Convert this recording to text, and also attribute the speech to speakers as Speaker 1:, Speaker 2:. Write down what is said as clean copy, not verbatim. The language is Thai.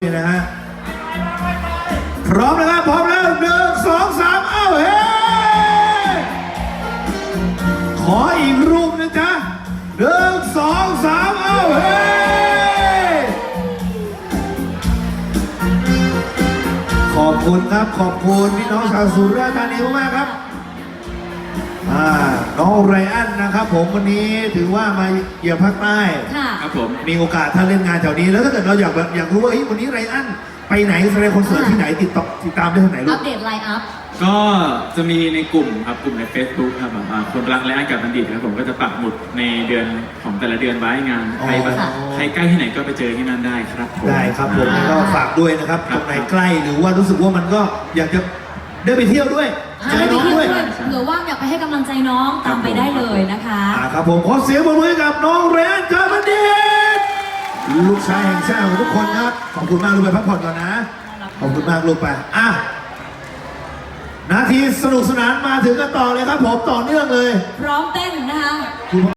Speaker 1: นี่นะฮะพร้อมนะครับพร้อมแล้ว1 2 3เอ้าเฮ้ขออีกรูปนะจ๊ะ1 2 3เอ้าเฮ้ขอบคุณครับขอบคุณพี่น้องชาวสุราษฎร์ธานีมากครับน้องไรอันนะครับผมวันนี้ถือว่ามาเยือนภาคใต้
Speaker 2: ครับผม
Speaker 1: มีโอกาสถ้าเล่นงานแถวนี้แล้วถ้าเกิดเราอยากรู้ว่าวันนี้ไรอันไปไหนแสดงคอนเสิร์ตที่ไหนติดตามได้ที่ไหนลูก
Speaker 3: อัปเดตไลน์อัพ
Speaker 2: ก็จะมีในกลุ่มครับกลุ่มใน Facebook ครับคนรักและอันกับบัณฑิตครับผมก็จะปักหมุดในเดือนของแต่ละเดือนไว้งานใครใกล้ที่ไหนก็ไปเจอที่นั่นได้ครับผม
Speaker 1: ได้ครับผมแล้วก็ฝากด้วยนะครับตรงไหนใกล้หรือว่ารู้สึกว่ามันก็อยากจะได้ไปเที่ยวด้วย
Speaker 3: ได้ไปเที่ยวด้วยหรือว่าอยากไปให้กำลังใจน้องตามไปได้เลยนะคะ
Speaker 1: ครับผมขอเสียงปรบมือกับน้องเรนกับบัณฑิตลูกชายแห่งชาติของทุกคนครับขอบคุณมากลูกไปพักผ่อนก่อนนะขอบคุณมากลูกไปนาทีสนุกสนานมาถึงกันต่อเลยครับผมต่อเนื่องเลย
Speaker 3: พร้อมเต้นนะคะ